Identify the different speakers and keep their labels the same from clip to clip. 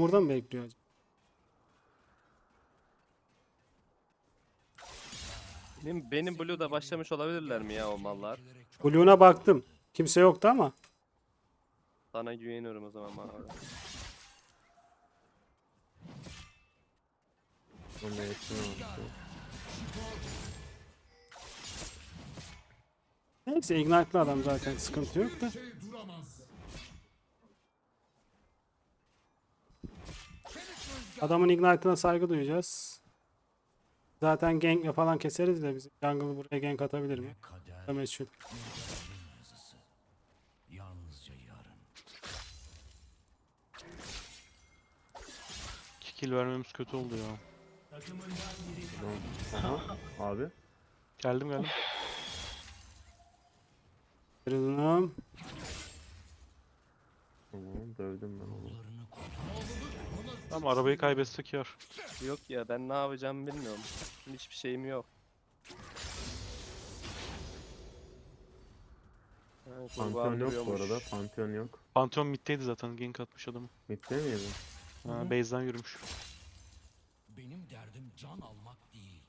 Speaker 1: burada mı bekliyor acaba?
Speaker 2: Benim Blue'da başlamış olabilirler mi ya o mallar?
Speaker 1: Blue'una baktım. Kimse yoktu ama.
Speaker 2: Sana güveniyorum o zaman bana.
Speaker 3: Ona yakın oldu.
Speaker 1: Neyse Ignite'lı adam zaten sıkıntı yok da. Adamın Ignite'ına saygı duyacağız. Zaten gankle falan keseriz de biz jungle buraya gank atabilir mi? Meçhul.
Speaker 4: Yalnızca yarın.
Speaker 5: 2 kill vermemiz kötü oldu ya.
Speaker 3: Aha abi.
Speaker 5: Geldim.
Speaker 1: Kırılım.
Speaker 3: Tamam dövdüm ben onu.
Speaker 5: Ama arabayı kaybetsek yar.
Speaker 2: Yok ya ben ne yapacağımı bilmiyorum. Hiçbir şeyim yok. Ha,
Speaker 3: Pantheon
Speaker 2: kurban
Speaker 3: yok bu
Speaker 2: duruyormuş.
Speaker 3: arada. Pantheon yok.
Speaker 5: Pantheon mid'deydi zaten. Gank atmış adamı.
Speaker 3: Bitti miydi?
Speaker 5: Ha, base'den yürümüş.
Speaker 4: Benim derdim can almak değil.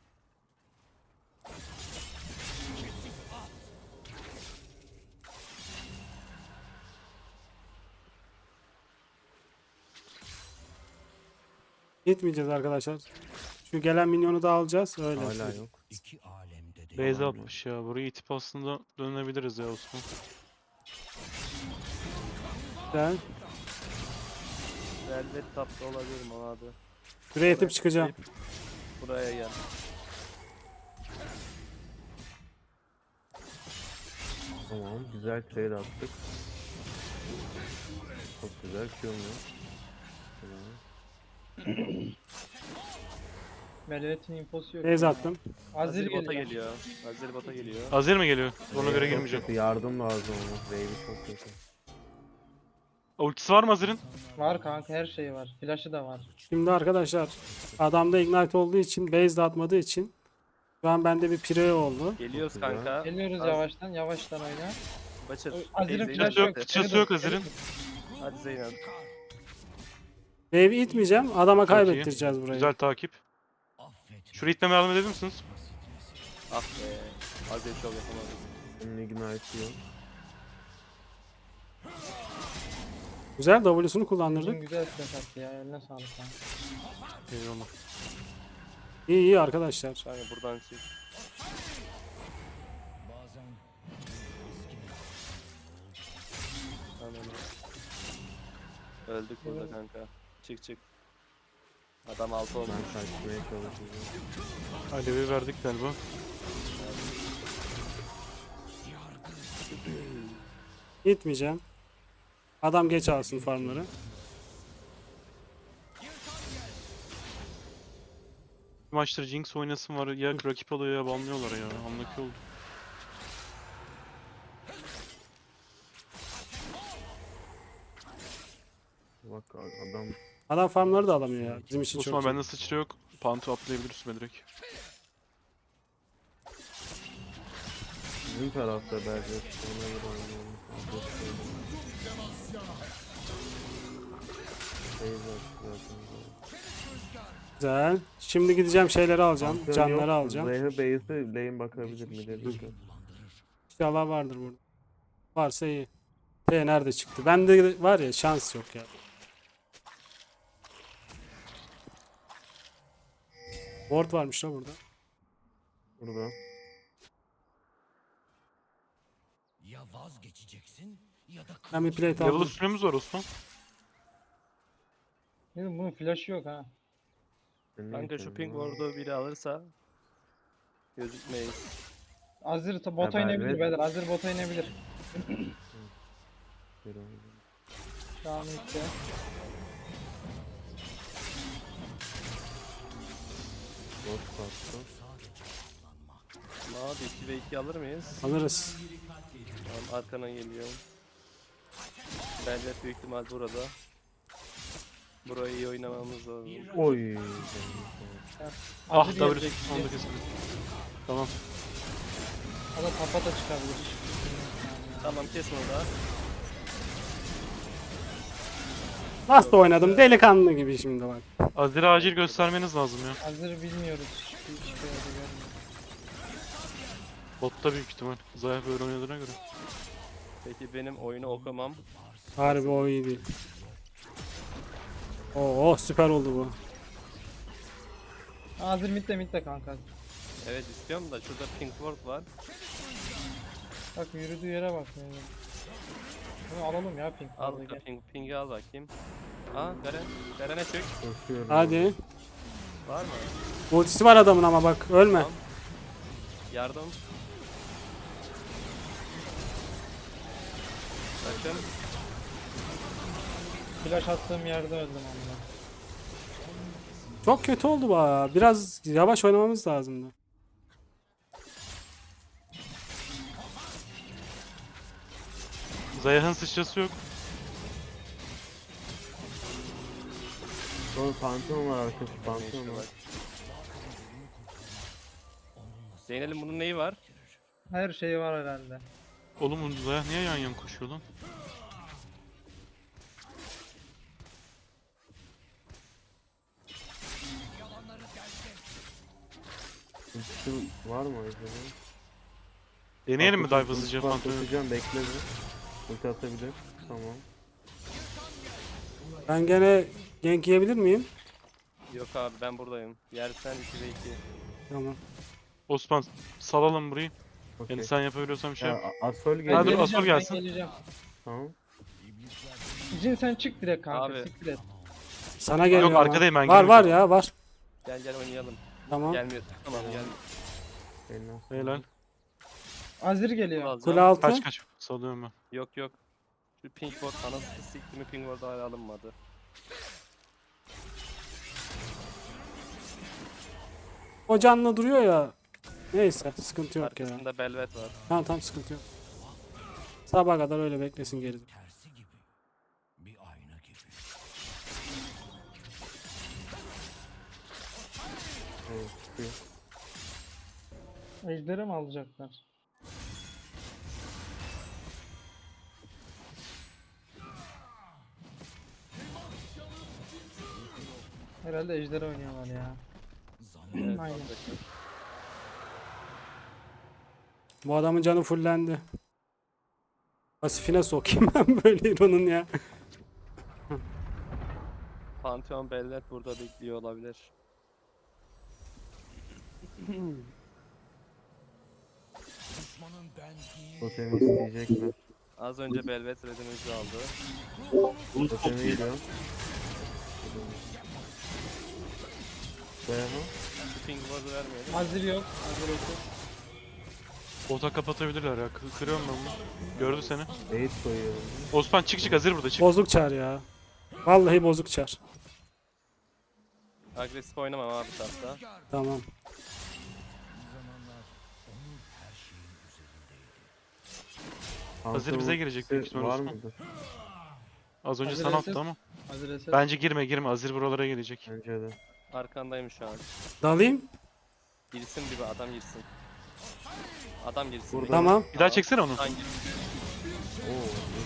Speaker 1: Gitmeyeceğiz arkadaşlar. Şu gelen minyonu da alacağız. Öyle.
Speaker 3: Hala yok.
Speaker 4: İki alemde de
Speaker 5: Base atmış ya. Burayı itip aslında dönebiliriz ya Osman.
Speaker 1: Güzel.
Speaker 2: Velvet tapta olabilirim o abi.
Speaker 1: Şuraya itip çıkacağım.
Speaker 2: Buraya gel.
Speaker 3: Tamam güzel trade attık. Çok güzel Q'm yok. Tamam.
Speaker 6: Velvet'in infosu yok.
Speaker 1: Base attım.
Speaker 6: Azir
Speaker 2: Bota
Speaker 6: geliyor.
Speaker 2: geliyor. Azir bota geliyor.
Speaker 5: Azir mi geliyor? Ona göre
Speaker 3: Çok
Speaker 5: girmeyeceğim.
Speaker 3: kötü, yardım lazım ona. Wave'i çok kötü.
Speaker 5: Ultisi var mı Azir'in?
Speaker 6: Var kanka, her şey var. Flash'ı da var.
Speaker 1: Şimdi arkadaşlar adamda Ignite olduğu için base de atmadığı için şu an bende bir pire oldu.
Speaker 2: Geliyoruz
Speaker 3: Çok güzel.
Speaker 2: kanka.
Speaker 6: Geliyoruz
Speaker 2: Az-
Speaker 6: yavaştan, yavaştan oyna.
Speaker 2: Başır.
Speaker 6: Azir'in
Speaker 2: Zeynep
Speaker 6: flash
Speaker 5: Sıçrası yok.
Speaker 2: gitti.
Speaker 5: Sıçrası yok Azir'in.
Speaker 2: Hadi Zeynep.
Speaker 1: Wave'i itmeyeceğim. Adama
Speaker 5: Çok iyi.
Speaker 1: kaybettireceğiz burayı.
Speaker 5: Güzel takip. Şuraya itmeme yardım edebilir misiniz?
Speaker 2: Ah be. Azir çok yapamadım.
Speaker 3: Bunun ignite'ı yok.
Speaker 1: Güzel W'sunu
Speaker 6: Uzun
Speaker 1: kullandırdık.
Speaker 6: güzel flash attı ya. Eline sağlık kanka.
Speaker 5: Eyvallah.
Speaker 1: İyi arkadaşlar.
Speaker 2: Kanka buradan çık.
Speaker 4: bazen
Speaker 2: Ananı. Öldük burada kanka. Çık. Adam altı oldu.
Speaker 3: Ben kaçmaya çalışacağım.
Speaker 5: Alevi verdik galiba.
Speaker 1: İtmeyeceğim. Adam geç alsın farmları.
Speaker 5: Bir maçtır Jinx oynasın var ya rakip alıyor ya banlıyorlar ya. Anlaki oldu.
Speaker 3: Bak adam
Speaker 1: Adam farmları da alamıyor ya. Bizim için
Speaker 5: Osman
Speaker 1: çok iyi.
Speaker 5: bende sıçra yok. Pantu atlayabilir üstüme direkt.
Speaker 3: bizim tarafta belki. Ona göre oynayalım. Phase attı zaten.
Speaker 1: Güzel. Şimdi gideceğim şeyleri alacağım.
Speaker 3: Pantheon
Speaker 1: Canları
Speaker 3: yok.
Speaker 1: alacağım.
Speaker 3: Zehir base'e lane bakabilir mi dedik.
Speaker 1: İnşallah vardır burada. Varsa iyi. Nerede çıktı? Bende var ya şans yok ya. Ward varmış da burada.
Speaker 3: Burada.
Speaker 4: ya vazgeçeceksin ya da
Speaker 1: Ben bir plate
Speaker 5: Level
Speaker 1: aldım.
Speaker 5: üstünümüz var Osman.
Speaker 6: Benim bunun flash'ı yok ha.
Speaker 2: Kanka şu ping ward'u biri alırsa gözükmeyiz.
Speaker 6: Azir bota
Speaker 3: Ha,
Speaker 6: inebilir
Speaker 3: Velvet.
Speaker 6: beyler. Azir bota inebilir. Şu an işte.
Speaker 3: Ghost bastı.
Speaker 2: Abi 2 ve 2 alır mıyız?
Speaker 1: Alırız.
Speaker 2: Tamam arkana geliyorum. Bence büyük ihtimal burada. Burayı iyi oynamamız lazım.
Speaker 3: Oy.
Speaker 5: Ah
Speaker 6: Azir
Speaker 5: W
Speaker 6: gelecek.
Speaker 5: onu da keselim. Tamam.
Speaker 6: O da tapa da çıkabilir.
Speaker 2: Tamam kes onu da.
Speaker 1: Nasıl oynadım delikanlı gibi şimdi bak.
Speaker 5: Azir'i acil göstermeniz lazım ya.
Speaker 6: Azir'i bilmiyoruz. Hiçbir şey görmüyorum.
Speaker 5: Botta büyük ihtimal. Zayıf böyle oynadığına göre.
Speaker 2: Peki benim oyunu okumam.
Speaker 1: Harbi o iyi değil. Oo süper oldu bu.
Speaker 6: Azir midde kanka.
Speaker 2: Evet istiyorum da şurada pink ward var.
Speaker 6: Bak yürüdüğü yere bak. Yani. Bunu alalım ya pink.
Speaker 2: Al
Speaker 6: Vallahi gel.
Speaker 2: ping'i al bakayım. Aa Garen. Garen'e çök.
Speaker 3: Koşuyorum.
Speaker 1: Hadi.
Speaker 2: Var mı?
Speaker 1: Ultisi var adamın ama bak ölme.
Speaker 2: Tamam. Yardım. Bakın.
Speaker 6: Flash attığım yerde öldüm amına.
Speaker 1: Çok kötü oldu bu ya. Biraz yavaş oynamamız lazımdı.
Speaker 5: Zayıf'ın sıçrası yok.
Speaker 3: Sonra Pantheon var arkası. Pantheon var.
Speaker 2: Zeynel'in bunun neyi var?
Speaker 6: Her şeyi var herhalde.
Speaker 5: Oğlum Zayıf niye yan yan koşuyor lan?
Speaker 3: Ultisi var mı acaba?
Speaker 5: Deneyelim mi dive hızlıca
Speaker 3: Ulti
Speaker 5: Phantom'u?
Speaker 3: atacağım, bekle bir. Ulti atabilir. Tamam.
Speaker 1: Ben gene gank yiyebilir miyim?
Speaker 2: Yok abi ben buradayım. Yersen 2'de 2.
Speaker 1: Tamam.
Speaker 5: Osman salalım burayı.
Speaker 3: Okey.
Speaker 5: Yani sen yapabiliyorsan bir şey
Speaker 3: Ya,
Speaker 5: yap.
Speaker 3: Asol
Speaker 5: Hadi
Speaker 3: geliyor.
Speaker 5: dur, Asol gelsin.
Speaker 6: Ben geleceğim.
Speaker 3: Tamam.
Speaker 6: Jin sen çık direkt kanka.
Speaker 2: Abi.
Speaker 6: Siktir et.
Speaker 1: Sana geliyor ama.
Speaker 5: arkadayım, ben
Speaker 1: Var var
Speaker 5: girmeyeceğim.
Speaker 1: ya var.
Speaker 2: Gel oynayalım.
Speaker 1: Tamam.
Speaker 2: Gelmiyor. Tamam gelmiyor.
Speaker 3: Eline sağlık.
Speaker 5: Helal.
Speaker 6: Azir
Speaker 2: Bunu
Speaker 6: geliyor.
Speaker 2: alacağım.
Speaker 1: Kule altı.
Speaker 5: Kaç. Salıyorum ben.
Speaker 2: Yok yok. Şu pink ward anasını sikti mi pink ward hala alınmadı.
Speaker 1: O canlı duruyor ya. Neyse sıkıntı yok ya.
Speaker 2: Arkasında Belvet var.
Speaker 1: Tamam sıkıntı yok. Sabaha kadar öyle beklesin geride.
Speaker 4: Tersi gibi. Bir ayna gibi.
Speaker 3: Evet, çıkıyor.
Speaker 6: Ejder'e mi alacaklar? Herhalde Ejder oynuyorlar ya.
Speaker 2: Evet,
Speaker 6: Aynen.
Speaker 2: alacaklar.
Speaker 1: Bu adamın canı fullendi. Pasifine sokayım ben böyle Hero'nun ya.
Speaker 2: Pantheon Belvet burada bekliyor olabilir.
Speaker 4: Düşmanın ben değil.
Speaker 3: Totemi isteyecekler.
Speaker 2: Az önce Belvet redimizi aldı.
Speaker 3: Totemi geliyor. Dayanı.
Speaker 2: Şu pink ward'u vermeyelim.
Speaker 6: Azir yok. Azir yok.
Speaker 5: Bota kapatabilirler ya. Kırıyorum ben bunu. Gördü seni.
Speaker 3: Bait koyuyorum.
Speaker 5: Osman çık Azir burada çık.
Speaker 1: Bozuk çar ya. Vallahi bozuk çar.
Speaker 2: Agresif oynamam abi tahta.
Speaker 1: Tamam.
Speaker 5: Hazır bize girecek büyük ihtimal
Speaker 3: Var
Speaker 5: Osman.
Speaker 3: mıdır?
Speaker 5: Az önce
Speaker 6: Hazır
Speaker 5: sana
Speaker 6: SS.
Speaker 5: attı ama.
Speaker 6: Azir eser.
Speaker 5: Bence girme. Azir buralara gelecek.
Speaker 3: Bence de.
Speaker 2: Arkandayım şu an.
Speaker 1: Dalayım.
Speaker 2: Girsin bir adam girsin. Adam girsin.
Speaker 3: Burada.
Speaker 1: Tamam.
Speaker 5: Bir daha çeksene onu.
Speaker 2: Hangi?
Speaker 3: Oo.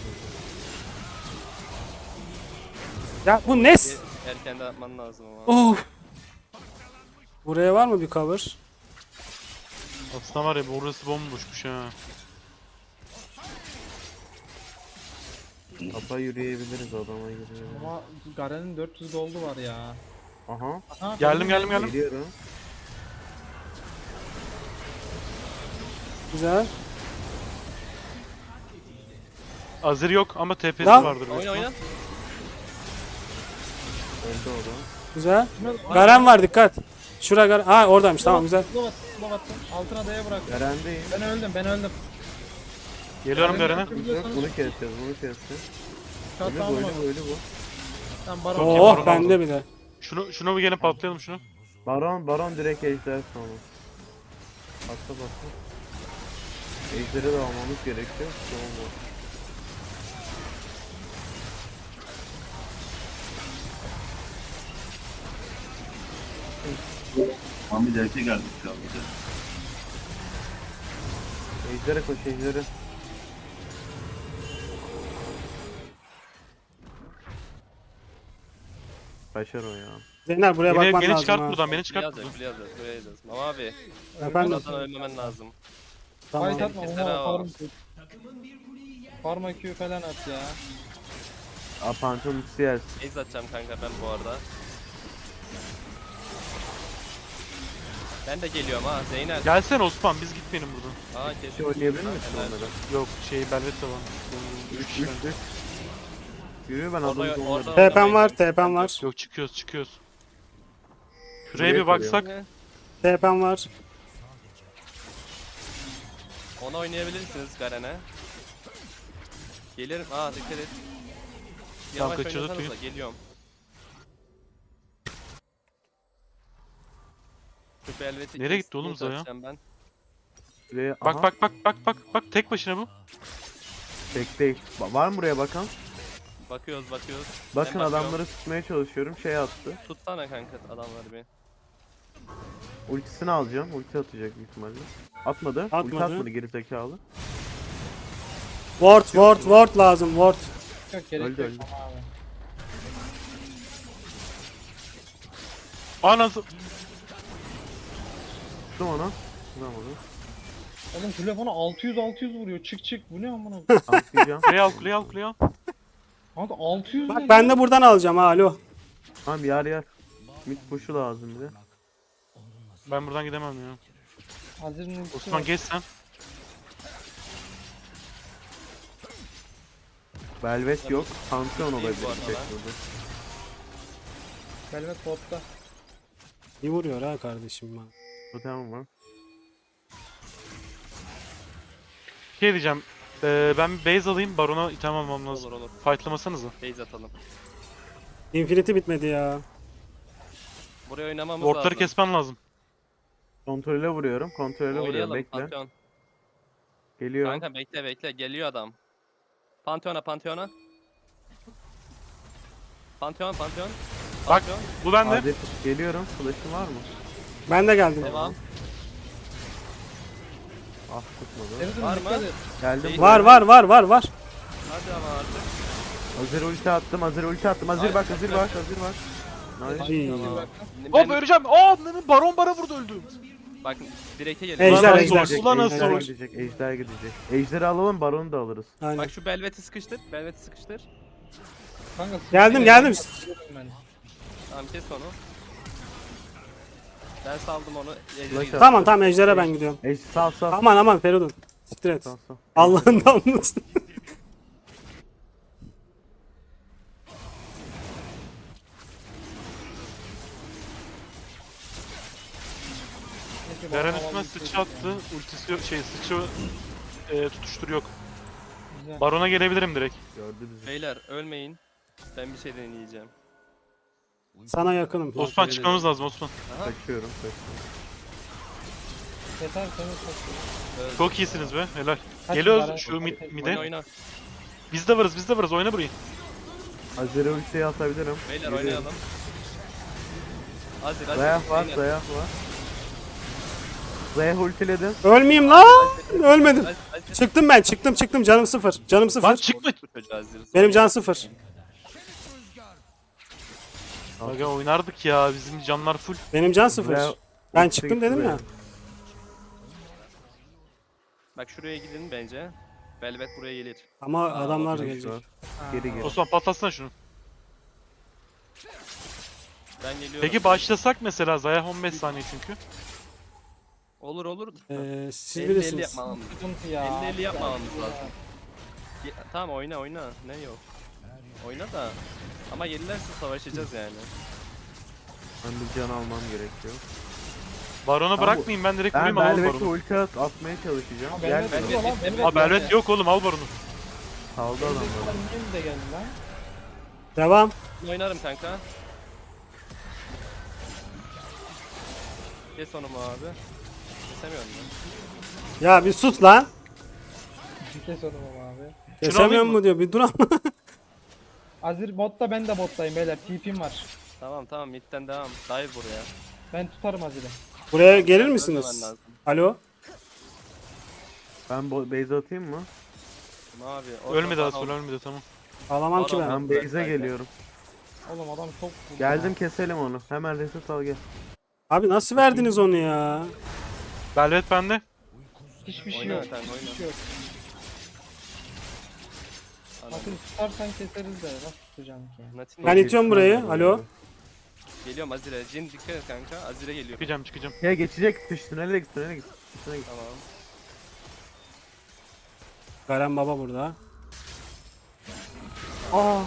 Speaker 1: Ya bu Nes.
Speaker 2: Erken de atman lazım ama.
Speaker 1: Of. Buraya var mı bir cover?
Speaker 5: Aslında var ya burası bomboşmuş ha.
Speaker 3: Tapa yürüyebiliriz, adama yürüyebiliriz.
Speaker 6: Ama Garen'in 400 goldu var ya.
Speaker 3: Aha.
Speaker 6: Aha,
Speaker 5: Geldim.
Speaker 3: Geliyorum.
Speaker 1: Güzel.
Speaker 5: Azir yok ama TP'si
Speaker 1: Lan.
Speaker 5: vardır. büyük
Speaker 2: Oyna
Speaker 5: ihtimal.
Speaker 2: oyna.
Speaker 3: Öldü o da.
Speaker 1: Güzel. Garen var dikkat. Şura Garen. Ha oradaymış tamam güzel.
Speaker 6: Slow attım. Altına D'ye bırak.
Speaker 3: Garen'deyim.
Speaker 6: Ben öldüm.
Speaker 5: Geliyorum Garen'e.
Speaker 3: Yok, bunu keseceğiz, bunu keseceğiz.
Speaker 6: Şat
Speaker 3: Ölü bu,
Speaker 6: alma.
Speaker 3: ölü bu.
Speaker 6: Sen baron.
Speaker 5: Okey,
Speaker 1: Oh
Speaker 5: baron
Speaker 1: bende
Speaker 5: aldım.
Speaker 1: bir de.
Speaker 5: Şunu bir gelin patlayalım şunu.
Speaker 3: Baron direkt ejder sonu. Atla. Ejderi de almamız gerekiyor. Tamam.
Speaker 7: Tam bir derse geldik şu an bize.
Speaker 3: Ejder'e koş, ejderi. Kaçar o ya.
Speaker 1: Zeynel buraya bakman
Speaker 5: Beni
Speaker 1: lazım
Speaker 5: çıkart
Speaker 1: ha.
Speaker 5: buradan, beni
Speaker 2: Buraya
Speaker 5: çıkart
Speaker 2: yazacağız,
Speaker 5: buradan.
Speaker 2: buraya yazacağız, buraya yazacağız. Ama abi,
Speaker 1: Efendim.
Speaker 2: buradan ölmemen lazım.
Speaker 1: Tamam.
Speaker 6: Fight atma
Speaker 2: Keser
Speaker 6: ona
Speaker 2: ha.
Speaker 6: farm tut. Farma Q falan at ya.
Speaker 3: Pantheon ultisi yersin.
Speaker 2: Base atacağım kanka ben bu arada. Ben de geliyorum ha Zeynel.
Speaker 5: Gelsene Osman, biz gitmeyelim buradan.
Speaker 2: Aa kesin.
Speaker 3: Şey oynayabilir misin
Speaker 2: Helal.
Speaker 3: onları?
Speaker 5: Yok Belvet de var. 3 kişi.
Speaker 3: 3 Yürüyor ben
Speaker 2: Orada-
Speaker 3: adamı
Speaker 2: orada-
Speaker 3: onları.
Speaker 1: TP'm var, TP'm var.
Speaker 5: Yok çıkıyoruz. Şuraya
Speaker 3: Buraya
Speaker 5: bir
Speaker 3: koyuyor.
Speaker 5: baksak.
Speaker 1: TP'm var.
Speaker 2: Ona oynayabilirsiniz Garen'e. Gelirim. Aa dikkat et. Yavaş
Speaker 5: kaçırdı
Speaker 2: oynasanıza
Speaker 5: tüy.
Speaker 2: geliyorum. Şu Velvet'i
Speaker 5: Nereye gitti
Speaker 2: kestim,
Speaker 5: oğlum Zaya?
Speaker 2: atacağım Ben.
Speaker 3: Buraya,
Speaker 5: Bak
Speaker 3: aha,
Speaker 5: bak tek başına bu.
Speaker 3: Tek değil. Var mı buraya bakan?
Speaker 2: Bakıyoruz.
Speaker 3: Bakın
Speaker 2: Ben bakıyorum.
Speaker 3: adamları tutmaya çalışıyorum. Şey attı.
Speaker 2: Tutsana kanka adamları bir.
Speaker 3: Ultisini alacağım. Ulti atacak büyük ihtimalle. Atmadı. Ulti
Speaker 1: Atmadı.
Speaker 3: atmadı gerizekalı.
Speaker 1: Ward lazım, ward.
Speaker 6: Yok gerek
Speaker 3: Öldü,
Speaker 6: yok.
Speaker 3: öldü.
Speaker 6: Tamam abi.
Speaker 5: Anası.
Speaker 3: Tuttum onu. Vuramadı.
Speaker 6: Oğlum telefonu 600 vuruyor. Çık bu ne amına?
Speaker 3: Tanklayacağım.
Speaker 5: Kuleye al.
Speaker 6: Kanka 600
Speaker 1: Bak
Speaker 6: ne
Speaker 1: ben
Speaker 6: ya?
Speaker 1: de buradan alacağım ha, alo.
Speaker 3: Tamam yer. Mid push'u lazım bir de.
Speaker 5: Ben buradan gidemem ya.
Speaker 6: Hazırın ultisi
Speaker 5: Osman
Speaker 6: var.
Speaker 5: geç sen.
Speaker 3: Velvet yok. Pantheon olabilir.
Speaker 2: bu arada
Speaker 3: tek
Speaker 2: lan.
Speaker 3: burada.
Speaker 6: Velvet botta.
Speaker 1: İyi vuruyor ha kardeşim bana.
Speaker 3: Totem var.
Speaker 5: Şey diyeceğim. Ben bir base alayım, Baron'a item almam lazım.
Speaker 2: Olur.
Speaker 5: Fightlamasanıza.
Speaker 2: Base atalım.
Speaker 1: Infinity bitmedi ya.
Speaker 2: Buraya oynamamız
Speaker 5: Wardları
Speaker 2: lazım.
Speaker 5: kesmen lazım.
Speaker 3: Kontrole vuruyorum. Kontrole vuruyorum.
Speaker 2: Oynayalım
Speaker 3: Bekle.
Speaker 2: Pantheon.
Speaker 3: Geliyor.
Speaker 2: Kanka bekle. Geliyor adam. Pantheon'a. Pantheon.
Speaker 5: Bak.
Speaker 2: Pantheon.
Speaker 5: Bu bende.
Speaker 3: Hadi geliyorum. Flash'ın var mı?
Speaker 1: Ben de geldim.
Speaker 2: Devam.
Speaker 3: Ah tutmadı.
Speaker 6: Feridun
Speaker 2: Var
Speaker 6: dikkat
Speaker 2: mı?
Speaker 6: et.
Speaker 3: Geldim.
Speaker 2: Değil.
Speaker 1: Var.
Speaker 2: Hadi ama artık.
Speaker 3: Hazır ulti attım. Hazır
Speaker 2: Ay,
Speaker 3: bak.
Speaker 2: çok
Speaker 3: Hazır
Speaker 2: güzel.
Speaker 3: bak. Nice.
Speaker 1: Ay.
Speaker 2: Tamam.
Speaker 5: Hop öleceğim. Baron bana vurdu öldüm.
Speaker 2: Bak direkte geliyor.
Speaker 1: Ejder,
Speaker 5: Ulan
Speaker 1: ejder.
Speaker 5: nasıl olur? Ulan nasıl
Speaker 3: Ejder
Speaker 5: olur?
Speaker 3: gidecek. Ejder gidecek. Ejderi alalım. Baronu da alırız.
Speaker 1: Aynen.
Speaker 2: Bak şu Velvet'i sıkıştır.
Speaker 6: Kanka
Speaker 1: Geldim.
Speaker 6: Ben.
Speaker 2: Tamam kes onu. Ben saldım onu. Ejder'e
Speaker 3: Flash
Speaker 2: gidiyor.
Speaker 1: Tamam ejder'e ben gidiyorum.
Speaker 3: Sağ.
Speaker 1: Aman Feridun. Siktir et.
Speaker 3: Sağ.
Speaker 1: Allah'ın damlası.
Speaker 6: Neyse,
Speaker 5: Garen
Speaker 6: bana
Speaker 5: üstüme
Speaker 6: alalım.
Speaker 5: sıçrattı. Ultisi yok. Sıçra tutuştur yok.
Speaker 6: Güzel.
Speaker 5: Baron'a gelebilirim direkt.
Speaker 3: Gördü bizi.
Speaker 2: Beyler ölmeyin. Ben bir şey deneyeceğim.
Speaker 1: Sana yakınım.
Speaker 5: Osman çıkmamız lazım Osman.
Speaker 3: Kaçıyorum.
Speaker 6: Yeter seni çok.
Speaker 5: Çok iyisiniz be. Helal.
Speaker 6: Kaç
Speaker 5: Geliyoruz
Speaker 6: numara?
Speaker 5: şu mide.
Speaker 2: Oyna.
Speaker 5: Biz de varız. Oyna burayı.
Speaker 3: Hazır ultiyi atabilirim.
Speaker 2: Beyler
Speaker 3: Yürüyorum.
Speaker 2: oynayalım. Azir.
Speaker 3: Zayah var.
Speaker 2: Beyler.
Speaker 3: Zayah ultiledim.
Speaker 1: Ölmeyeyim lan. Ölmedim.
Speaker 2: Azir.
Speaker 1: Çıktım ben. Çıktım. Canım sıfır.
Speaker 5: Lan çıkma.
Speaker 2: Bu çocuğu Azir.
Speaker 1: Benim can sıfır.
Speaker 5: Aga oynardık ya. Bizim canlar full.
Speaker 1: Benim can sıfır.
Speaker 3: Zayah
Speaker 1: Ben
Speaker 3: ulti
Speaker 1: çıktım
Speaker 3: gitti
Speaker 1: dedim ya.
Speaker 3: Zayah.
Speaker 2: Bak şuraya gidin bence. Velvet buraya gelir.
Speaker 1: Ama adamlar
Speaker 3: Flash
Speaker 1: gelecek.
Speaker 3: var. Geri geri.
Speaker 5: Osman patlatsana şunu.
Speaker 2: Ben geliyorum.
Speaker 5: Peki başlasak mesela Zaya 15 saniye çünkü.
Speaker 2: Olur.
Speaker 1: Siz
Speaker 2: 50-50
Speaker 1: bilirsiniz.
Speaker 2: yapmamamız.
Speaker 6: Sıkıntı ya.
Speaker 2: 50-50 yapmamamız lazım. Tamam oyna. Ne yok. Oyna da. Ama gelirlerse savaşacağız yani.
Speaker 3: Ben bir can almam gerekiyor.
Speaker 5: Barona
Speaker 3: Tamam,
Speaker 5: bırakmayayım ben direkt
Speaker 3: Ben
Speaker 5: vurayım alalım
Speaker 3: Velvet'e
Speaker 5: Baron'u.
Speaker 3: ulti atmaya çalışacağım.
Speaker 6: Ha,
Speaker 3: Gel.
Speaker 6: Velvet vuruyor lan. Velvet
Speaker 5: Aa Belvet
Speaker 6: geldi.
Speaker 5: yok oğlum al Baron'u.
Speaker 3: Kaldı adamlar.
Speaker 6: Benim de geldi lan.
Speaker 1: Devam.
Speaker 2: Oynarım kanka. Kes onu mu abi? Kesemiyorum ben.
Speaker 1: Ya bir sus lan.
Speaker 6: Kes onu abi.
Speaker 1: Kesemiyorum
Speaker 5: alayım
Speaker 1: mu diyor. Bir dur ama.
Speaker 6: Azir botta ben de bottayım beyler. TP'm var.
Speaker 2: Tamam midden devam. Dive buraya.
Speaker 6: Ben tutarım Azir'i.
Speaker 1: Buraya gelir
Speaker 2: Ölmemen
Speaker 1: misiniz?
Speaker 2: lazım.
Speaker 1: Alo.
Speaker 3: Ben base atayım mı?
Speaker 2: Abi.
Speaker 5: Ölmedi Asıl ölmedi tamam.
Speaker 1: Alamam ki
Speaker 2: Baron.
Speaker 1: ben.
Speaker 3: Ben base'e geliyorum.
Speaker 6: Oğlum adam çok vurdu
Speaker 3: Geldim
Speaker 6: ya.
Speaker 3: keselim onu. Hemen reset al gel.
Speaker 1: Abi nasıl verdiniz onu ya?
Speaker 5: Velvet bende.
Speaker 6: Hiçbir şey
Speaker 2: Oyna
Speaker 6: yok.
Speaker 2: sen, oyna.
Speaker 6: Hiçbir şey yok. Nasıl tutarsan keseriz de nasıl tutacağım ki?
Speaker 2: Natin
Speaker 1: Ben itiyorum burayı.
Speaker 3: Geçtim
Speaker 1: Alo.
Speaker 2: geliyorum Azire. Jin dikkat et kanka. Azire geliyor.
Speaker 5: Çıkacağım.
Speaker 3: Ya geçecek dış tünele git tünele git. Tünele git.
Speaker 2: Tamam.
Speaker 1: Garen baba burada.
Speaker 3: Aa.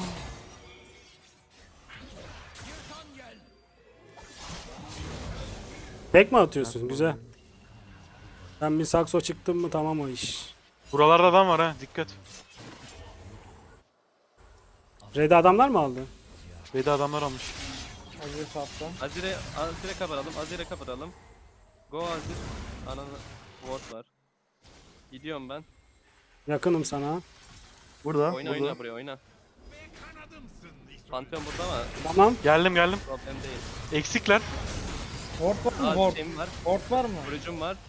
Speaker 1: Tek mi atıyorsun? Güzel. Ben bir sakso çıktım mı tamam o iş.
Speaker 5: Buralarda adam var ha, dikkat.
Speaker 1: Red'i adamlar mı aldı?
Speaker 5: Beyde adamlar almış.
Speaker 6: Azir sattı.
Speaker 2: Azire kaparalım. Azire kaparalım. Go Azir. Ananı ward var. Gidiyorum ben.
Speaker 1: Yakınım sana.
Speaker 3: Burada.
Speaker 2: Oyna
Speaker 3: burada.
Speaker 2: oyna buraya oyna. Pantheon burada ama
Speaker 1: Tamam.
Speaker 5: Geldim.
Speaker 2: problem değil.
Speaker 5: Eksikler.
Speaker 6: Ward var mı?
Speaker 2: Aa
Speaker 6: Ward.
Speaker 2: şeyim var.
Speaker 6: Ward var mı?
Speaker 2: Vurucum var.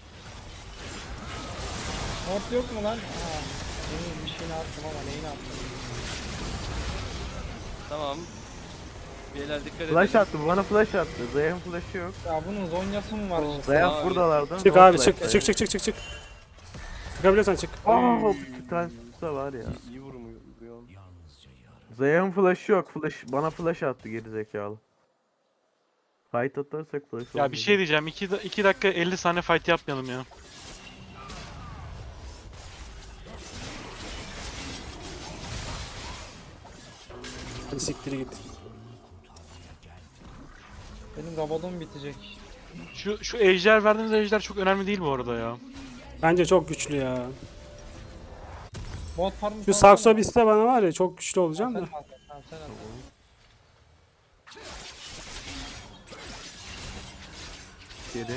Speaker 6: Ward yok mu lan? Ha. Benim bir şeyini attım ama neyini attım?
Speaker 2: Tamam. Beyler dikkat edin.
Speaker 3: Flash attı. Bana flash attı. Zayıf'ın flash'ı yok.
Speaker 6: Ya bunun zonyası mı var işte?
Speaker 3: Zayıf
Speaker 2: abi.
Speaker 3: buradalardı.
Speaker 1: Çık
Speaker 3: No
Speaker 1: abi
Speaker 3: flash.
Speaker 1: çık. Çıkabiliyorsan çık.
Speaker 3: Aa, bir tane tutsa var ya.
Speaker 2: İyi vuruyorum.
Speaker 3: Zayıf'ın flash'ı yok. Bana flash attı geri zekalı. Fight atarsak flash
Speaker 5: Ya bir şey diyeceğim. 2 dakika 50 saniye fight yapmayalım ya.
Speaker 1: Hadi siktir git.
Speaker 6: Benim robotum bitecek.
Speaker 5: Şu ejder verdiğimiz ejder çok önemli değil bu arada ya.
Speaker 1: Bence çok güçlü ya.
Speaker 6: Bot farmı
Speaker 1: Şu sakso biste bana var ya çok güçlü olacağım da.
Speaker 6: Tamam sen at.
Speaker 3: Geri.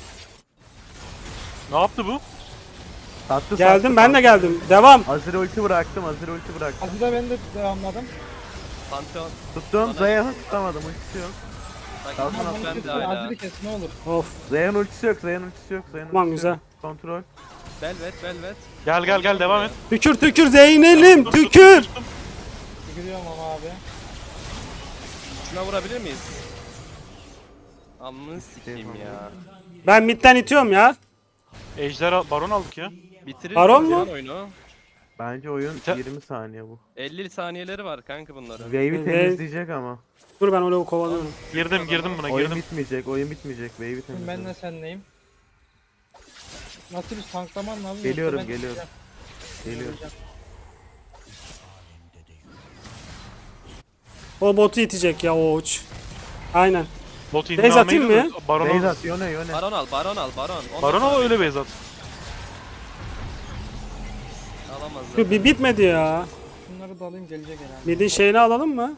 Speaker 5: Ne yaptı bu?
Speaker 3: Sattı,
Speaker 1: Geldim
Speaker 3: sattı,
Speaker 1: ben de
Speaker 3: sattı.
Speaker 1: geldim. Devam.
Speaker 3: Azir ulti bıraktım. Azir ulti bıraktım.
Speaker 6: Azir'e ben de devamladım.
Speaker 2: Pantheon.
Speaker 3: Tuttum. Zayıf'ı tutamadım. Ultisi yok.
Speaker 2: Bak
Speaker 3: Tamam,
Speaker 6: Ama
Speaker 2: ben
Speaker 6: bunu
Speaker 2: de
Speaker 6: kesin,
Speaker 2: hala.
Speaker 6: Azir'i kes ne olur.
Speaker 1: Of.
Speaker 3: Zayıf'ın ultisi yok. Zayıf'ın ultisi yok. Zayıf'ın
Speaker 1: Tamam,
Speaker 3: ultisi
Speaker 1: güzel.
Speaker 3: yok. Kontrol.
Speaker 2: Velvet.
Speaker 5: Gel devam et.
Speaker 1: Tükür Zeynel'im tükür.
Speaker 6: Gidiyorum ama abi.
Speaker 2: Şuna vurabilir miyiz? Amını sikeyim ya.
Speaker 1: Ben midden itiyorum ya.
Speaker 5: Ejder baron aldık ya.
Speaker 2: Bitiririz
Speaker 1: Baron
Speaker 2: ya
Speaker 1: mu?
Speaker 2: oyunu.
Speaker 3: Bence oyun
Speaker 5: Te-
Speaker 3: 20 saniye bu.
Speaker 2: 50 saniyeleri var kanka bunların.
Speaker 3: Wave'i
Speaker 1: Wave-
Speaker 3: temizleyecek ama.
Speaker 1: Dur ben öyle kovalıyorum.
Speaker 5: Girdim buna
Speaker 3: Oyun
Speaker 5: girdim.
Speaker 3: bitmeyecek. Oyun bitmeyecek. Wave'i
Speaker 6: Şimdi ben
Speaker 3: temizleyecek.
Speaker 6: de senleyim. Nasıl bir tanklaman lazım?
Speaker 3: Geliyorum,
Speaker 6: yoksa ben
Speaker 3: geliyorum.
Speaker 6: gideceğim.
Speaker 3: Geliyor.
Speaker 1: O botu itecek ya o uç. Aynen.
Speaker 5: Bot
Speaker 1: Base
Speaker 5: inme
Speaker 1: atayım
Speaker 5: almayı
Speaker 1: mı?
Speaker 5: da baron al.
Speaker 3: Beyzat, Yone.
Speaker 2: Baron al.
Speaker 5: Baron al öyle base at.
Speaker 2: Alamazlar.
Speaker 1: Şu bir bitmedi ya.
Speaker 6: Şunları da alayım gelecek herhalde.
Speaker 1: Midin şeyini alalım mı?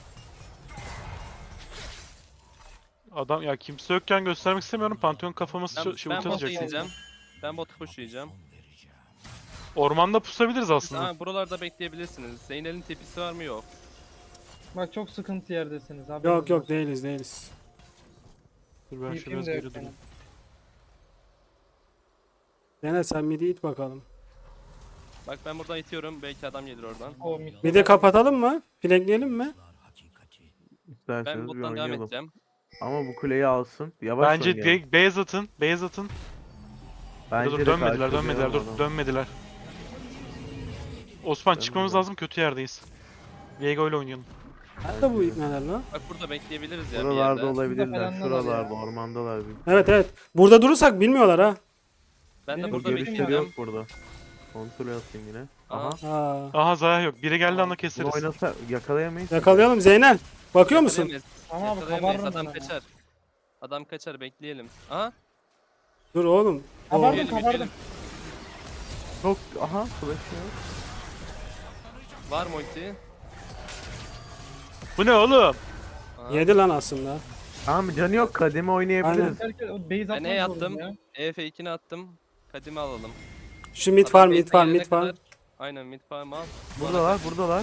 Speaker 5: Adam ya kimse yokken göstermek istemiyorum. Pantheon kafamız
Speaker 2: Ben,
Speaker 5: şey
Speaker 2: ben
Speaker 5: ulti
Speaker 2: bota
Speaker 5: atacak.
Speaker 2: ineceğim. Ben botu pushlayacağım.
Speaker 5: Ormanda pusabiliriz aslında.
Speaker 2: Ama buralarda bekleyebilirsiniz. Zeynel'in tepkisi var mı? Yok.
Speaker 6: Bak çok sıkıntı yerdesiniz abi.
Speaker 1: Yok değiliz.
Speaker 5: Dur ben
Speaker 6: TP'm
Speaker 5: şuraya
Speaker 6: de yok
Speaker 5: geri durayım.
Speaker 6: benim.
Speaker 1: Dene sen midi it bakalım.
Speaker 2: Bak ben buradan itiyorum. Belki adam gelir oradan.
Speaker 6: O mid.
Speaker 1: Midi kapatalım mı? Flankleyelim mi?
Speaker 2: Ben
Speaker 3: İsterseniz bir
Speaker 2: bottan devam
Speaker 3: oynayalım.
Speaker 2: edeceğim.
Speaker 3: Ama bu kuleyi alsın. Yavaş
Speaker 5: Bence
Speaker 3: oynayalım.
Speaker 5: base atın.
Speaker 3: Bence
Speaker 5: Dur
Speaker 3: de
Speaker 5: dönmediler
Speaker 3: karşılayalım
Speaker 5: dur
Speaker 3: adamı.
Speaker 5: dönmediler. Osman çıkmamız
Speaker 3: Dönmediler.
Speaker 5: lazım, kötü yerdeyiz. Viego ile oynayalım.
Speaker 1: Nerede bu ipneler lan?
Speaker 2: Bak burada bekleyebiliriz ya bir
Speaker 3: Buralarda
Speaker 2: yerde.
Speaker 3: olabilirler.
Speaker 6: falanlar
Speaker 3: Şuralarda,
Speaker 6: ya.
Speaker 3: ormandalar.
Speaker 1: Evet. Burada durursak bilmiyorlar ha.
Speaker 2: Ben de
Speaker 6: Benim
Speaker 2: burada
Speaker 3: Görüşleri
Speaker 2: bekleyeceğim.
Speaker 3: yok burada. Kontrol atayım yine.
Speaker 2: Aha.
Speaker 3: Aha.
Speaker 1: Aa.
Speaker 5: Aha Zaya yok. Biri geldi anda
Speaker 3: Bunu
Speaker 5: keseriz.
Speaker 3: oynasa yakalayamayız.
Speaker 1: Yakalayalım Zeynel. Bakıyor musun?
Speaker 2: Yakalayamayız.
Speaker 6: Ama abi
Speaker 2: Yakalayamayız,
Speaker 6: kabarırım
Speaker 2: adam
Speaker 6: ben ama.
Speaker 2: kaçar. Adam kaçar bekleyelim. Aha.
Speaker 1: Dur oğlum.
Speaker 6: Kabardım
Speaker 2: Yürüyelim,
Speaker 6: kabardım.
Speaker 3: Çok, aha flash yok.
Speaker 2: Var mı ulti?
Speaker 5: Bu ne oğlum?
Speaker 2: Aha.
Speaker 1: Yedi lan aslında.
Speaker 3: Tamam canı yok, kademe oynayabiliriz.
Speaker 1: Aynen.
Speaker 6: Herkes o base
Speaker 2: Ben
Speaker 6: atmak
Speaker 2: ne
Speaker 6: zorunda
Speaker 2: attım?
Speaker 6: ya.
Speaker 2: EF2'ni attım. Kadimi alalım.
Speaker 1: Şu mid
Speaker 2: Adam
Speaker 1: farm
Speaker 2: base'e gelene
Speaker 1: mid farm.
Speaker 2: kadar- Aynen mid farm al.
Speaker 3: Buradalar.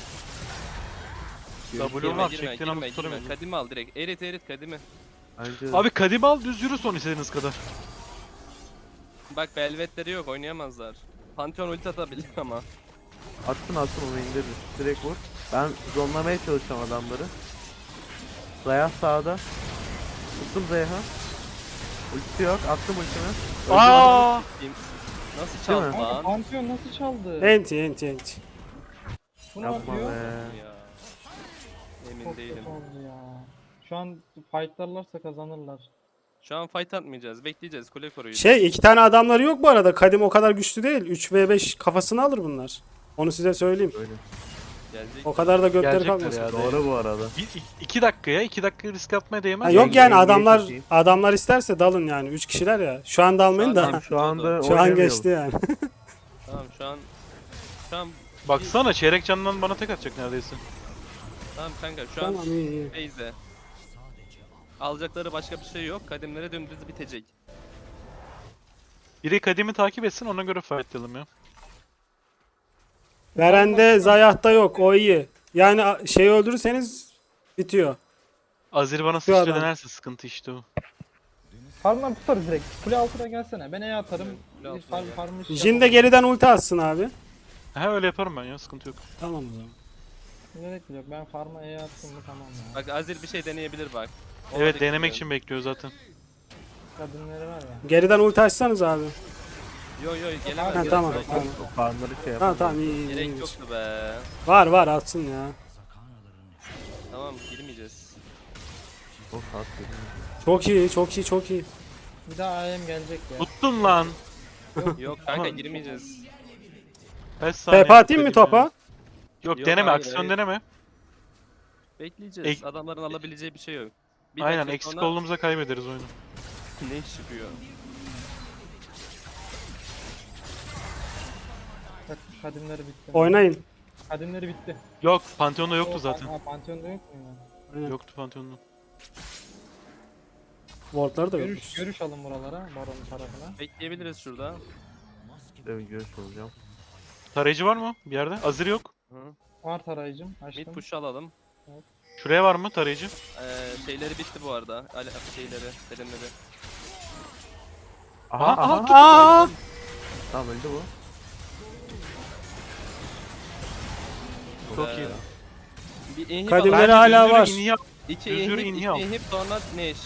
Speaker 5: W var çektiğin anda tutamıyorum.
Speaker 2: Kadimi al direkt. Erit kadimi.
Speaker 3: Bence
Speaker 5: Abi kadim al düz yürü son istediğiniz kadar.
Speaker 2: Bak velvetleri yok oynayamazlar. Pantheon ulti atabilir ama.
Speaker 3: atsın onu indiririz. Direkt vur. Ben zonlamaya çalışacağım adamları. Zaya sağda. Tuttum Zayah'ı. Ultisi yok. Attım ultimi.
Speaker 5: Aa!
Speaker 2: Nasıl
Speaker 3: Değil
Speaker 2: çaldı
Speaker 3: mi?
Speaker 6: Kanka
Speaker 2: lan?
Speaker 6: Pantheon nasıl çaldı?
Speaker 1: Enti.
Speaker 6: Bu ne
Speaker 3: Yapma
Speaker 6: yapıyor?
Speaker 3: be.
Speaker 2: Ya. Emin
Speaker 6: Çok
Speaker 2: değilim.
Speaker 6: kötü oldu ya. Şu an fightlarlarsa kazanırlar.
Speaker 2: Şu an fight atmayacağız. Bekleyeceğiz. Kule koruyacağız.
Speaker 1: Şey 2 tane adamları yok bu arada. Kadim o kadar güçlü değil. 3v5 kafasını alır bunlar. Onu size söyleyeyim.
Speaker 3: Böyle.
Speaker 2: Gelecek.
Speaker 1: O kadar da gökleri
Speaker 5: Gelecekler
Speaker 1: kalmasın.
Speaker 5: ya.
Speaker 3: Doğru bu arada.
Speaker 5: 2 dakikaya 2 dakika risk atmaya değmez.
Speaker 1: Ha,
Speaker 5: ya.
Speaker 1: yok yani
Speaker 3: Yenge
Speaker 1: adamlar
Speaker 3: çekeyim.
Speaker 1: adamlar isterse dalın yani. 3 kişiler ya. Şu an dalmayın
Speaker 2: Şu an-
Speaker 1: da.
Speaker 3: Şu anda
Speaker 1: Şu an
Speaker 3: oynamayalım.
Speaker 1: geçti yani.
Speaker 2: Tamam şu an
Speaker 5: Baksana çeyrek canından bana tek atacak neredeyse.
Speaker 2: tamam kanka şu an
Speaker 1: Tamam iyi.
Speaker 2: base'de. Alacakları başka bir şey yok. Kadimlere dümdüz bitecek.
Speaker 5: Biri kadimi takip etsin ona göre fightlayalım ya.
Speaker 1: Verende Zayah'ta yok. O iyi. Yani şeyi öldürürseniz bitiyor.
Speaker 5: Azir bana
Speaker 1: Şu
Speaker 5: sıçra
Speaker 1: adam.
Speaker 5: denerse sıkıntı işte o.
Speaker 6: Farmdan tutarız direkt. Kule altına gelsene. Ben E atarım.
Speaker 2: Kule
Speaker 6: Bir
Speaker 2: altına gel.
Speaker 6: farmı
Speaker 1: Jin de geriden ulti atsın abi.
Speaker 5: He öyle yaparım ben ya sıkıntı yok.
Speaker 1: Tamam o zaman.
Speaker 6: Gerek yok. Ben farma E attım mı tamam ya.
Speaker 2: Bak Azir bir şey deneyebilir bak. Ona
Speaker 5: Evet
Speaker 2: dikkat
Speaker 5: denemek
Speaker 2: edin.
Speaker 5: için bekliyor zaten.
Speaker 6: Kadınları var ya.
Speaker 1: Geriden ulti açsanız abi.
Speaker 2: Yo gelemez.
Speaker 1: Ha,
Speaker 2: gerek
Speaker 1: tamam,
Speaker 2: yok.
Speaker 1: tamam.
Speaker 3: O farmları şey
Speaker 1: Ha
Speaker 3: yapalım.
Speaker 1: tamam iyi.
Speaker 2: Gerek yoktu be.
Speaker 1: Var atsın ya.
Speaker 2: Tamam girmeyeceğiz.
Speaker 3: Of at.
Speaker 1: Çok iyi.
Speaker 6: Bir daha AM gelecek ya.
Speaker 5: Tuttun lan.
Speaker 2: Yok kanka girmeyeceğiz.
Speaker 5: Kaç saniye
Speaker 1: TP atayım mı
Speaker 5: kadim ya?
Speaker 1: topa?
Speaker 5: Yok
Speaker 2: Yok,
Speaker 5: deneme
Speaker 2: hayır,
Speaker 5: aksiyon
Speaker 2: hayır.
Speaker 5: deneme.
Speaker 2: Bekleyeceğiz. Adamların alabileceği bir şey yok. Bir
Speaker 5: Aynen
Speaker 2: dakika
Speaker 5: eksik
Speaker 2: sonra
Speaker 5: olduğumuzda kaybederiz oyunu.
Speaker 2: ne iş çıkıyor?
Speaker 6: Bak kadınları bitti.
Speaker 1: Oynayın.
Speaker 6: Kadınları bitti.
Speaker 5: Yok Pantheon'da yoktu zaten.
Speaker 6: Ha, Pantheon'da yok mu ya?
Speaker 1: Aynen.
Speaker 5: Yoktu Pantheon'da.
Speaker 1: Wardları da
Speaker 6: Görüş,
Speaker 1: yokmuş.
Speaker 6: görüş alın buralara. Baron'un tarafına.
Speaker 2: Bekleyebiliriz şurada.
Speaker 3: Evet görüş olacağım.
Speaker 5: Tarayıcı var mı bir yerde? Azir yok.
Speaker 2: Hı.
Speaker 6: Var tarayıcım.
Speaker 2: Mid
Speaker 6: Açtım.
Speaker 2: push alalım.
Speaker 5: Şuraya var mı tarayıcı?
Speaker 2: Şeyleri bitti bu arada. Şeyleri, selimleri.
Speaker 3: Aha
Speaker 5: Aha,
Speaker 3: aha.
Speaker 1: Aa!
Speaker 3: Tamam öldü bu.
Speaker 5: Çok
Speaker 2: Ee,
Speaker 5: iyi.
Speaker 2: Bir inhib
Speaker 1: Kadimleri
Speaker 2: alalım.
Speaker 1: hala
Speaker 5: düzgün
Speaker 1: var.
Speaker 5: inhib-
Speaker 2: İki
Speaker 5: düzgün
Speaker 2: inhib,
Speaker 5: inhib al.
Speaker 2: iki inhib sonra Neş.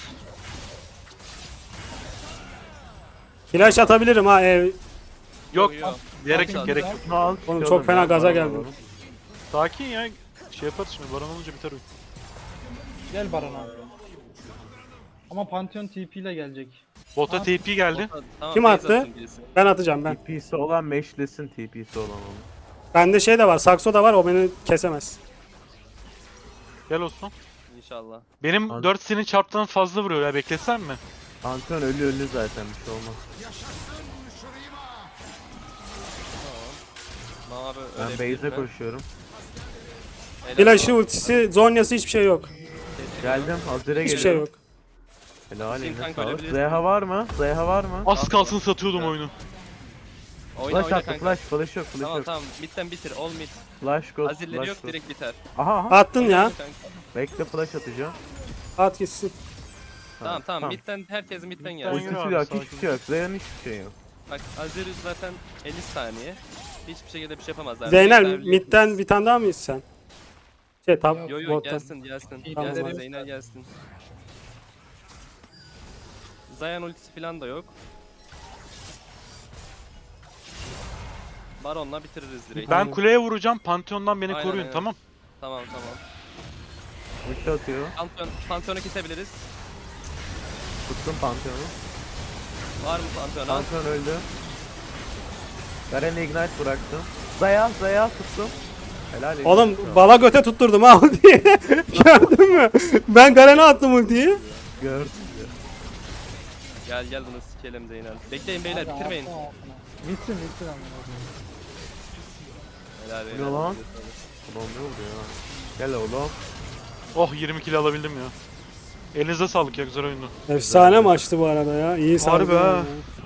Speaker 1: Flash atabilirim ha ev.
Speaker 5: Yok
Speaker 2: Yok.
Speaker 5: gerek yok
Speaker 6: Al,
Speaker 5: gerek
Speaker 6: al.
Speaker 5: yok.
Speaker 3: Bunu al.
Speaker 1: Oğlum
Speaker 3: çıkalım
Speaker 1: çok fena
Speaker 3: ya,
Speaker 1: gaza
Speaker 3: baron
Speaker 1: geldim.
Speaker 3: alalım.
Speaker 5: Sakin ya. Şey yaparız şimdi baron olunca biter oyun.
Speaker 6: Gel Baron abi. Ama Pantheon TP ile gelecek.
Speaker 5: Bota TP geldi.
Speaker 2: Tamam,
Speaker 1: Kim
Speaker 2: base
Speaker 1: attı?
Speaker 2: atın birisi.
Speaker 1: Ben atacağım ben.
Speaker 3: TP'si olan meşlesin TP'si olan onu.
Speaker 1: Bende şey de var. Sakso da var. O beni kesemez.
Speaker 5: Gel Osman.
Speaker 2: İnşallah.
Speaker 5: Benim
Speaker 3: Hadi.
Speaker 5: 4 senin çarptan fazla vuruyor ya beklesen mi?
Speaker 3: Pantheon ölü zaten bir şey olmaz.
Speaker 2: Mavi
Speaker 3: Ben
Speaker 2: ölebilir
Speaker 3: base'e
Speaker 2: mi?
Speaker 3: koşuyorum.
Speaker 2: Helal
Speaker 1: Flash'ı,
Speaker 2: olsun.
Speaker 1: ultisi, zonyası hiçbir şey yok.
Speaker 3: Geldim Hazir'e
Speaker 1: Hiçbir
Speaker 3: geliyorum.
Speaker 1: şey yok.
Speaker 3: Helal
Speaker 2: Sin
Speaker 3: eline
Speaker 2: kanka
Speaker 3: sağlık.
Speaker 2: ölebilirsin.
Speaker 3: Zeyha var mı? Zeyha var mı?
Speaker 5: Az kalsın satıyordum oyunu.
Speaker 2: Oyna
Speaker 3: Flash attı
Speaker 2: kanka.
Speaker 3: flash yok flash
Speaker 2: Tamam
Speaker 3: yok.
Speaker 2: tamam midden bitir. All mid.
Speaker 3: Flash go
Speaker 2: Azirleri
Speaker 3: flash
Speaker 2: yok
Speaker 3: go.
Speaker 2: direkt biter.
Speaker 3: Aha aha.
Speaker 1: Attın ya.
Speaker 2: Kanka.
Speaker 3: Bekle flash atacağım.
Speaker 1: At gitsin.
Speaker 2: Tamam midden herkes midden
Speaker 5: Midden
Speaker 2: gelsin.
Speaker 5: yürü.
Speaker 3: Ultisi
Speaker 5: abi,
Speaker 3: yok
Speaker 5: sakin.
Speaker 3: hiçbir şey yok. Zeyha'nın hiçbir şey yok.
Speaker 2: Bak Azir zaten 50 saniye. Hiçbir şekilde bir şey yapamazlar.
Speaker 1: Zeynel
Speaker 2: Midden-
Speaker 1: midden bir tane daha mı sen? Şey top
Speaker 2: Yo
Speaker 1: bottan.
Speaker 2: gelsin.
Speaker 1: Tamam,
Speaker 2: Gelsin
Speaker 1: hadi.
Speaker 2: Zeynel gelsin. Zayan ultisi falan da yok. Baron'la bitiririz direkt.
Speaker 5: Ben kuleye vuracağım. Pantheon'dan beni
Speaker 2: Aynen,
Speaker 5: koruyun
Speaker 2: aynen.
Speaker 5: tamam.
Speaker 2: Tamam.
Speaker 3: Ulti atıyor.
Speaker 2: Pantheon'u kesebiliriz.
Speaker 3: Tuttum Pantheon'u.
Speaker 2: Var mı Pantheon'a?
Speaker 3: Pantheon öldü. Garen'e ignite bıraktım. Zaya tuttum. Helal eline
Speaker 1: Oğlum
Speaker 3: sağlık.
Speaker 1: bala göte tutturdum ha ultiyi. Gördün mü? Ben Garen'e attım ultiyi.
Speaker 3: Gördüm.
Speaker 2: Gel bunu sikelim Zeynel. Bekleyin beyler
Speaker 6: Hadi,
Speaker 2: bitirmeyin.
Speaker 6: altına, altına. Bitsin amına koyayım.
Speaker 2: Helal
Speaker 3: Ne
Speaker 2: beyler.
Speaker 3: lan? Ulan ne oldu ya? Gel oğlum.
Speaker 5: Oh 20 kill alabildim ya. Elinize sağlık ya güzel oyundu.
Speaker 1: Efsane maçtı bu arada ya. İyi sardı.
Speaker 3: Harbi ha.
Speaker 1: yani.